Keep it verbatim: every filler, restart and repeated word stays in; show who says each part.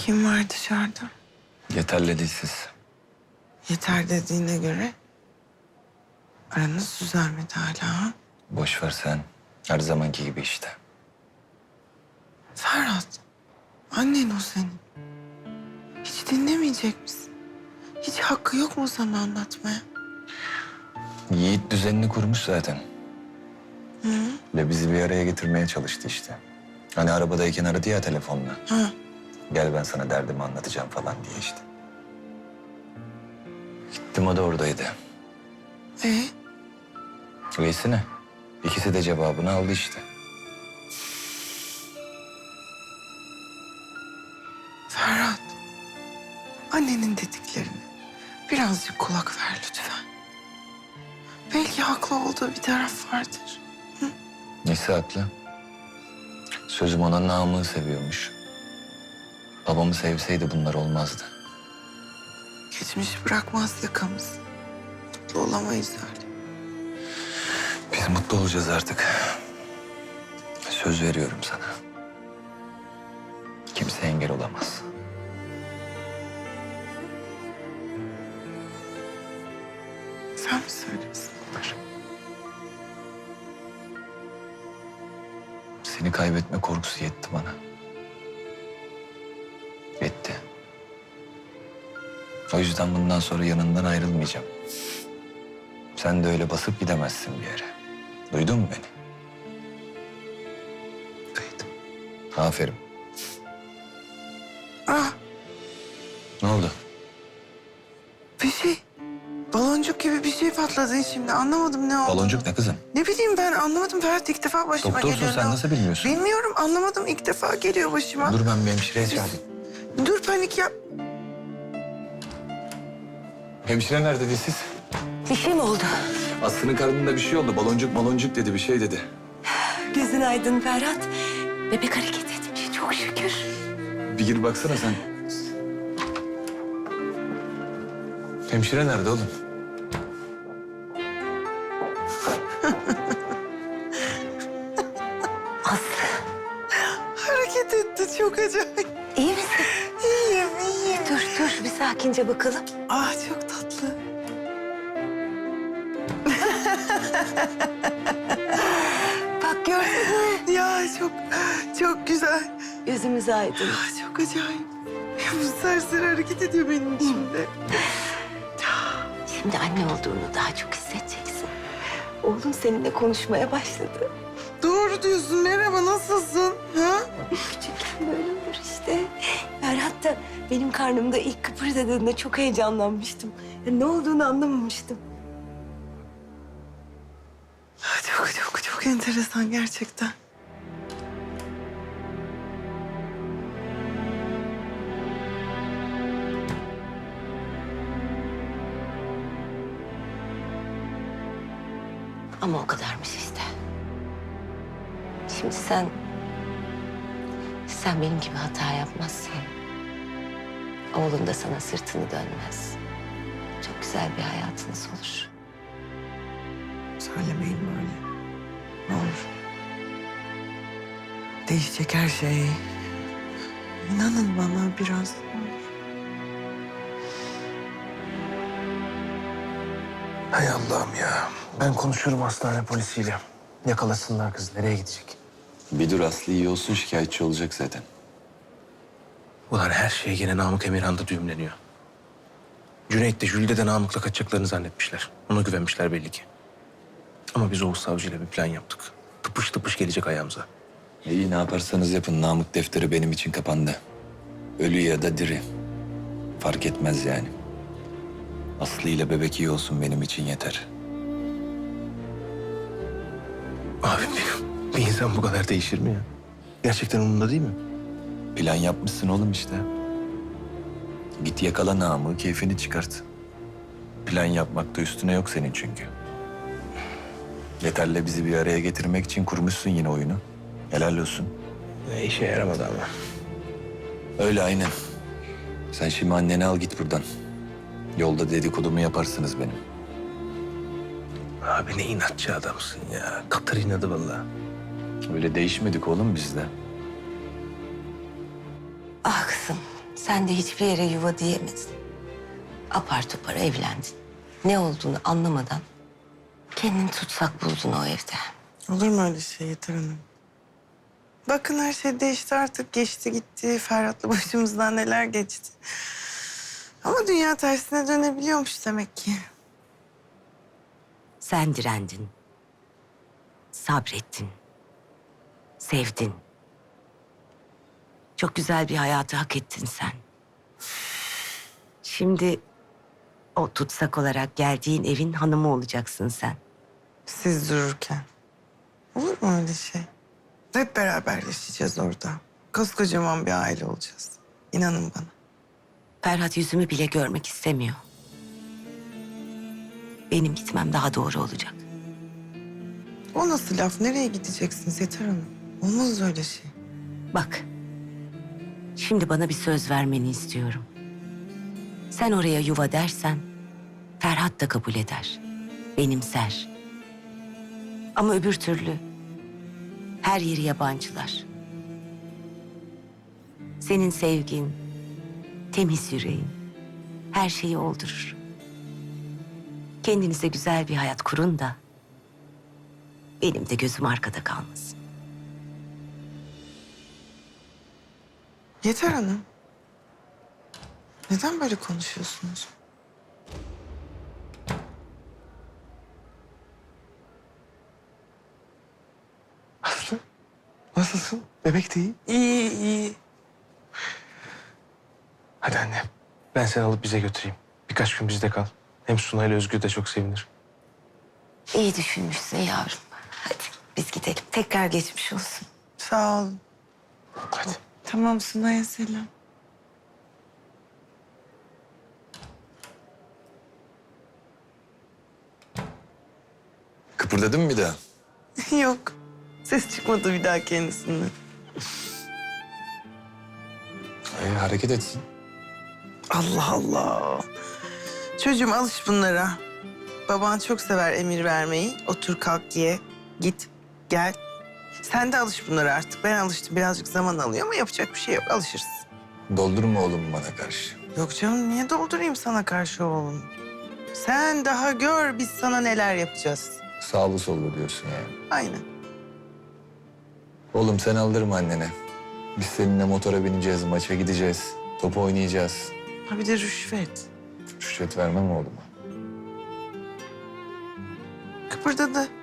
Speaker 1: Kim var dışarıda?
Speaker 2: Yeterli dilsiz.
Speaker 1: Yeter dediğine göre aranız düzelmedi hala ha?
Speaker 2: Boş ver sen. Her zamanki gibi işte.
Speaker 1: Ferhat, annen o senin. Hiç dinlemeyecek misin? Hiç hakkı yok mu sana anlatmaya?
Speaker 2: Yiğit düzenini kurmuş zaten.
Speaker 1: Hı?
Speaker 2: Ve bizi bir araya getirmeye çalıştı işte. Hani arabadayken aradı ya telefonla.
Speaker 1: Ha.
Speaker 2: Gel ben sana derdimi anlatacağım falan diye işte. Gittim, o da oradaydı.
Speaker 1: Ee,
Speaker 2: Öyleyse ne? İkisi de cevabını aldı işte.
Speaker 1: Ferhat, annenin dediklerine birazcık kulak ver lütfen. Belki haklı olduğu bir taraf vardır.
Speaker 2: Nesi haklı? Sözüm ona namı seviyormuş. Babamı sevseydi bunlar olmazdı.
Speaker 1: Geçmiş bırakmaz yakamız. Mutlu olamayız öyle.
Speaker 2: Biz mutlu olacağız artık. Söz veriyorum sana. Kimse engel olamaz.
Speaker 1: Sen mi söylesin bunları?
Speaker 2: Seni kaybetme korkusu yetti bana. Yetti. O yüzden bundan sonra yanından ayrılmayacağım. Sen de öyle basıp gidemezsin bir yere. Duydun mu beni?
Speaker 1: Duydum.
Speaker 2: Aferin.
Speaker 1: Ah,
Speaker 2: Ne oldu?
Speaker 1: bir şey. Baloncuk gibi bir şey patladı şimdi. Anlamadım ne oldu.
Speaker 2: Baloncuk ne kızım?
Speaker 1: Ne bileyim ben anlamadım Ferhat, ilk defa başıma
Speaker 2: Doktorsun
Speaker 1: geliyor.
Speaker 2: sen,
Speaker 1: Ne-
Speaker 2: nasıl bilmiyorsun?
Speaker 1: Bilmiyorum, anlamadım, ilk defa geliyor başıma.
Speaker 2: Dur, ben bir hemşireye çağırayım.
Speaker 1: Dur, panik yap.
Speaker 2: Hemşire nerede dilsiz?
Speaker 3: Bir şey mi oldu?
Speaker 2: Aslı'nın karnında bir şey oldu. Baloncuk baloncuk dedi, bir şey dedi.
Speaker 3: Gözün aydın Ferhat. Bebek hareket etmiş çok şükür.
Speaker 2: Bir gir baksana sen. Hemşire nerede oğlum?
Speaker 3: Aslı
Speaker 1: Hareket etti, çok acayip.
Speaker 3: iyi misin?
Speaker 1: İyiyim, iyiyim.
Speaker 3: Dur dur bir sakince bakalım.
Speaker 1: Ah, çok tatlı.
Speaker 3: Bak gördün mü?
Speaker 1: Ya çok, çok güzel.
Speaker 3: Gözümüz aydın.
Speaker 1: Ah, çok acayip. Bu serseri hareket ediyor benim içimde.
Speaker 3: Şimdi anne olduğunu daha çok hissedeceksin. Oğlum seninle konuşmaya başladı.
Speaker 1: Doğru diyorsun. Merhaba, nasılsın? Ha?
Speaker 3: Küçükken böyle olur işte. Ferhat da benim karnımda ilk kıpırdadığında çok heyecanlanmıştım. Ya ne olduğunu anlamamıştım.
Speaker 1: Ah, Çok çok çok enteresan gerçekten.
Speaker 3: Ama o kadarmış işte. Şimdi sen... Sen benim gibi hata yapmazsan... Oğlun da sana sırtını dönmez. Çok güzel bir hayatınız olur.
Speaker 1: Söylemeyin böyle. Ne olur. Değişecek her şey. İnanın bana biraz.
Speaker 4: Hay Allah'ım ya. Ben konuşurum hastane polisiyle. Yakalasınlar kız. Nereye gidecek?
Speaker 2: Bir dur, Aslı iyi olsun, şikayetçi olacak zaten.
Speaker 4: Ulan her şey gene Namık Emirhan'da düğümleniyor. Cüneyt de Jülide de Namık'la kaçacaklarını zannetmişler. Ona güvenmişler belli ki. Ama biz Oğuz Savcı'yla bir plan yaptık. Tıpış tıpış gelecek ayağımıza.
Speaker 2: İyi, ne yaparsanız yapın. Namık defteri benim için kapandı. Ölü ya da diri. Fark etmez yani. Aslı ile bebek iyi olsun, benim için yeter.
Speaker 4: Abi bir, bir insan bu kadar değişir mi ya? Gerçekten umurunda değil mi?
Speaker 2: Plan yapmışsın oğlum işte. Git yakala Namık'ı, keyfini çıkart. Plan yapmakta üstüne yok senin çünkü. Yeter'le bizi bir araya getirmek için kurmuşsun yine oyunu. Helal olsun.
Speaker 4: Ne işe yaramadı ama.
Speaker 2: Öyle aynen. Sen şimdi anneni al git buradan. Yolda dedikodumu yaparsınız benim.
Speaker 4: Abi ne inatçı adamsın ya. Katır inadı vallahi.
Speaker 2: Öyle değişmedik oğlum biz de.
Speaker 3: Ah kızım, Sen de hiçbir yere yuva diyemedin. Apar topar evlendin. Ne olduğunu anlamadan kendini tutsak buldun o evde.
Speaker 1: Olur mu öyle şey Yeter Hanım? Bakın her şey değişti artık. Geçti gitti. Ferhat'la başımızdan neler geçti. Ama dünya tersine dönebiliyormuş demek ki.
Speaker 3: Sen direndin. Sabrettin. Sevdin. Çok güzel bir hayatı hak ettin sen. Şimdi o tutsak olarak geldiğin evin hanımı olacaksın sen.
Speaker 1: Siz dururken. Olur mu öyle şey? Hep beraber yaşayacağız orada. Koskocaman bir aile olacağız. İnanın bana.
Speaker 3: Ferhat yüzümü bile görmek istemiyor. Benim gitmem daha doğru olacak.
Speaker 1: O nasıl laf? Nereye gideceksiniz Yeter Hanım? Olmaz öyle şey.
Speaker 3: Bak, şimdi bana bir söz vermeni istiyorum. Sen oraya yuva dersen, Ferhat da kabul eder, benimser. Ama öbür türlü her yeri yabancılar. Senin sevgin, temiz yüreğin her şeyi oldurur. Kendinize güzel bir hayat kurun da benim de gözüm arkada kalmasın.
Speaker 1: Yeter Hanım. Neden böyle konuşuyorsunuz?
Speaker 4: Aslı, nasılsın? Bebek de iyi.
Speaker 1: İyi iyi.
Speaker 4: Hadi anne, ben seni alıp bize götüreyim. Birkaç gün bizde kal. Hem Suna ile Özgür de çok sevinir.
Speaker 3: İyi düşünmüşsün yavrum. Hadi biz gidelim. Tekrar geçmiş olsun.
Speaker 1: Sağ olun.
Speaker 4: Hadi.
Speaker 1: Tamam Sunay'a selam.
Speaker 2: Kıpırdadın mı bir daha?
Speaker 1: Yok. Ses çıkmadı bir daha kendisinden.
Speaker 2: Ee, hareket etsin.
Speaker 1: Allah Allah. Çocuğum alış bunlara. Baban çok sever emir vermeyi. Otur kalk ye. Git gel. Sen de alış bunlara artık. Ben alıştım. Birazcık zaman alıyor ama yapacak bir şey yok. Alışırız.
Speaker 2: Doldurma oğlum bana karşı.
Speaker 1: Yok canım niye doldurayım sana karşı oğlum? Sen daha gör biz sana neler yapacağız.
Speaker 2: Sağlı sollu diyorsun yani.
Speaker 1: Aynen.
Speaker 2: Oğlum sen aldırma annene. Biz seninle motora bineceğiz, maça gideceğiz. Top oynayacağız.
Speaker 1: Ha bir de rüşvet.
Speaker 2: Rüşvet vermem oğluma.
Speaker 1: Kıpırdadı.